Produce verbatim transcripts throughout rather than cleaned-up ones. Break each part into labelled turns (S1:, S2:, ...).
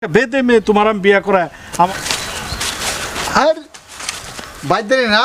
S1: বেদে মেয়ে তোমার আমি বিয়া করা আমার
S2: আর বাইরে না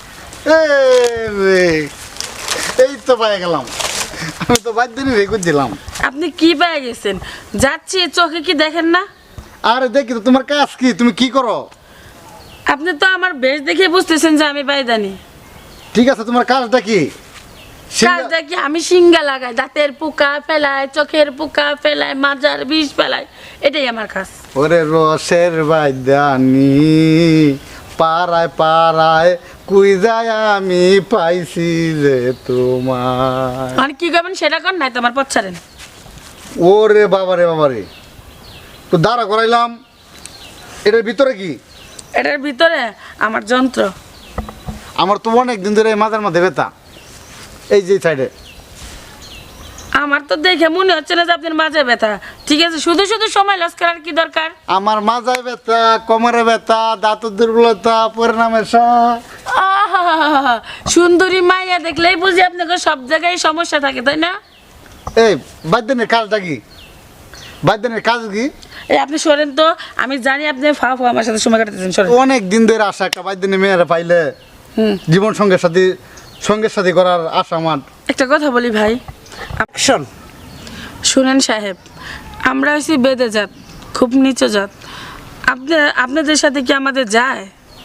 S2: এই তো পায়ে গেলাম আমি তো বাইরে রে করছিলাম।
S3: আপনি কি পেয়ে গেছেন? যাচ্ছি চোখে কি দেখেন না?
S2: আরে দেখি তো তোমার কাজ কি, তুমি কি করো?
S3: আপনি তো আমার বেশ দেখে বুঝতেছেন যে আমি বাইদানি।
S2: ঠিক আছে, তোমার কাজটা কি?
S3: কাজটা কি? আমি সিঙ্গা লাগাই, দাঁতের পোকা ফেলাই, চোখের পোকা ফেলাই, মাজার বিষ ফেলাই, এটাই আমার কাজ।
S2: ওরে রসের বাইদানি পাড়ায় পাড়ায় কুই যায় আমি পাইছি যে তোমার।
S3: আর কি করবেন সেটা কর, নাই তোমার পথ ছাড়েন।
S2: ওরে বাবারে বাবারে, তো দাঁড়া করাইলাম, এটার ভিতরে কি?
S3: এটার ভিতরে আমার যন্ত্র।
S2: আমার তো অনেক দিন ধরে মাথার মধ্যে ব্যথা, এই যে সাইডে।
S3: আমার তো দেখে মনে হচ্ছে না যে আপনার মাঝে ব্যথা। ঠিক আছে, শুধু শুধু সময় লস করার কি দরকার?
S2: আমার মাজায় ব্যথা, কোমরে ব্যথা, দাঁতের দুর্বলতা, পরিণামের
S3: আহা, সুন্দরী মাইয়া দেখলেই বুঝি আপনাকে সব জায়গায় সমস্যা থাকে, তাই না?
S2: এই বাদ্যনের কাজটা কি? বাদ্যনের কাজ কি?
S3: এই আপনি সরেন তো, আমি জানি আপনি ফা ফা আমার সাথে সময় কাটাতেছেন, সরেন।
S2: অনেক দিন ধরে আশা, একটা বাদ্যনের মেয়েরা পাইলে
S3: হুম,
S2: জীবন সঙ্গের সাথে সঙ্গের সাথে করার আশা আমার।
S3: একটা কথা বলি ভাই,
S1: অ্যাকশন।
S3: শুনেন সাহেব, আমরা হচ্ছি বেদে জাত, খুব নিচু জাত। আপনি আপনাদের সাথে কি আমাদের যায়?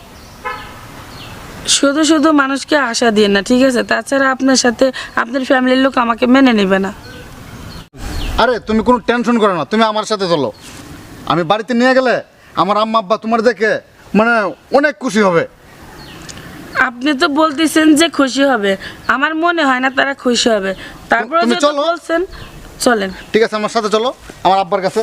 S3: শুধু শুধু মানুষকে আশা দিয়ে না, ঠিক আছে? তাছাড়া আপনার সাথে আপনার ফ্যামিলির লোক আমাকে মেনে নেবে না।
S2: আরে তুমি কোনো টেনশন করো না, তুমি আমার সাথে চলো। আমি বাড়িতে নিয়ে গেলে আমার আম্মা আব্বা তোমার দেখে মানে অনেক খুশি হবে।
S3: আপনি তো বলতেছেন যে খুশি হবে, আমার মনে হয় না তারা খুশি হবে। তারপরে
S2: তুমি
S3: যেহেতু
S2: চলো।
S3: বলছেন, চলেন।
S2: ঠিক আছে, আমার সাথে চলো আমার আব্বার কাছে।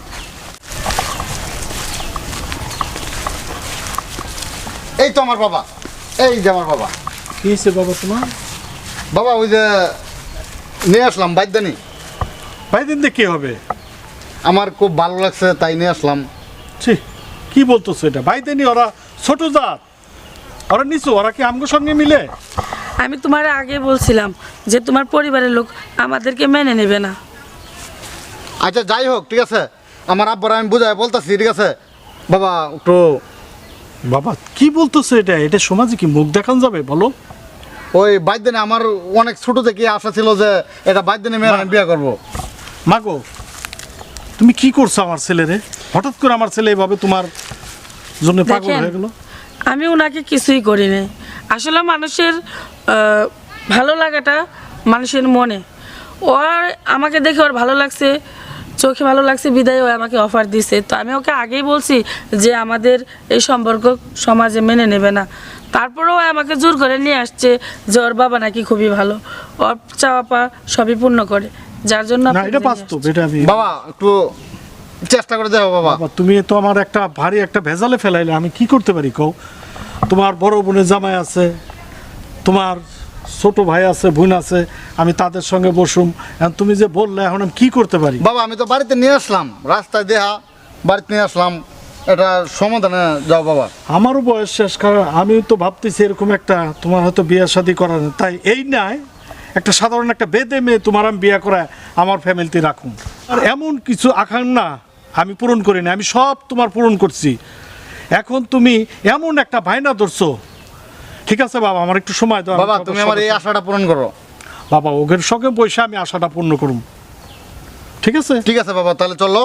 S2: এই তো আমার বাবা, এই যে আমার বাবা।
S1: কি হয়েছে বাবা তোমার?
S2: বাবা ওই যে নিয়ে আসলাম বাদ্যানি।
S1: ভাই দিন কি হবে?
S2: আমার খুব ভালো লাগছে তাই নিয়ে আসলাম।
S1: ছি, কি বলতেছো এটা? ভাই দেনি ওরা ছোট জাত, ওরা নিচু, ওরা কি আমগো সঙ্গে মিলে?
S3: আমি তোমার আগে বলছিলাম যে তোমার পরিবারের লোক আমাদেরকে মেনে নেবে না।
S2: আচ্ছা যাই হোক, ঠিক আছে, আমার আব্বার আমি বুঝাই বলতেছি, ঠিক আছে বাবা একটু।
S1: বাবা কি বলতেছো এটা? এটা সমাজে কি মুখ দেখানো যাবে বলো?
S2: ওই বাদ্যানি আমার অনেক ছোট থেকে আশা ছিল যে এটা বাদ্যানি মেয়ের আমি বিয়ে করবো।
S1: মাগো, তুমি কি করছো আমার ছেলেরে? হঠাৎ করে আমার ছেলে এভাবে তোমার জন্য পাগল
S3: দেখেন,
S1: হয়ে গেল।
S3: আমি ওনাকে কিছুই করি নাই। আসলে মানুষের আহ, ভালো লাগাটা মানুষের মনে। ওর আমাকে দেখে ওর ভালো লাগছে, চোখে ভালো লাগছে বিদায় ও আমাকে অফার দিছে। তো আমি ওকে আগেই বলছি যে আমাদের এই সম্পর্ক সমাজে মেনে নেবে না। তারপরেও আমাকে জোর করে নিয়ে আসছে যে ওর বাবা নাকি খুবই ভালো, ওর চাওয়া পাওয়া সবই পূর্ণ করে, যার জন্য
S1: না,
S3: আপনাকে
S1: এটা
S3: নিয়ে
S1: বাস্তব,
S3: আসছি।
S1: এটা আমি।
S2: বাবা একটু চেষ্টা করে যাও বাবা।
S1: বাবা তুমি তো আমার একটা ভারী একটা ভেজালে ফেলাইলে, আমি কি করতে পারি কও? তোমার বড় বোনের জামাই আছে, তোমার ছোট ভাই আছে, বোন আছে, আমি তাদের সঙ্গে বসুম। এখন তুমি যে বললে, এখন আমি কি করতে পারি?
S2: বাবা আমি তো বাড়িতে নিয়ে আসলাম, রাস্তায় দেহা বাড়িতে নিয়ে আসলাম, এটা সমাধানে যাও বাবা।
S1: আমারও বয়স শেষ, কারণ আমি তো ভাবতেছি এরকম একটা তোমার হয়তো বিয়ে শাদী করার, তাই এই নাই একটা সাধারণ একটা বেদে মেয়ে তোমার আমি বিয়ে করায় আমার ফ্যামিলিতে রাখুন। আর এমন কিছু আকাঙ্ক্ষা আমি পূরণ করি না, আমি সব তোমার পূরণ করছি। এখন তুমি এমন একটা ভাইনা ধরছো। ঠিক আছে বাবা, আমার একটু সময় দাও।
S2: বাবা তুমি আমার এই আশাটা পূরণ করো।
S1: বাবা ওদের সঙ্গে বসে আমি আশাটা পূর্ণ করুম, ঠিক আছে?
S2: ঠিক আছে বাবা, তাহলে চলো।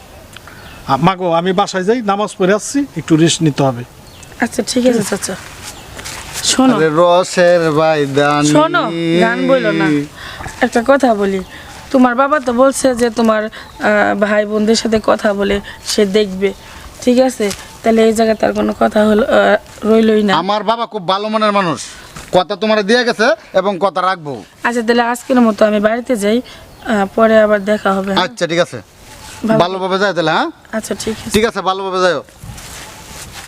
S1: আ- মাগো আমি বাসায় যাই, নামাজ পড়ে আসছি, একটু রেস্ট নিতে হবে।
S3: আচ্ছা ঠিক আছে চাচা। শোনো
S2: আরে রসের বাইদানি,
S3: শোনো, গান বইলো না, একটা কথা বলি। তোমার বাবা তো বলছে যে তোমার আহ, ভাই বোনদের সাথে কথা বলে সে দেখবে, ঠিক আছে? তাহলে এই জায়গায় তার কোনো কথা হলো আহ, রইলই না।
S2: আমার বাবা খুব ভালো মনের মানুষ, কথা তোমার দিয়ে গেছে এবং কথা রাখবো।
S3: আচ্ছা তাহলে আজকের মতো আমি বাড়িতে যাই, আহ, পরে আবার দেখা হবে। হ্যাঁ?
S2: আচ্ছা ঠিক আছে,
S3: ভালো-
S2: ভালোভাবে যাও তাহলে। হ্যাঁ
S3: আচ্ছা ঠিক আছে।
S2: ঠিক আছে, ভালোভাবে যাও।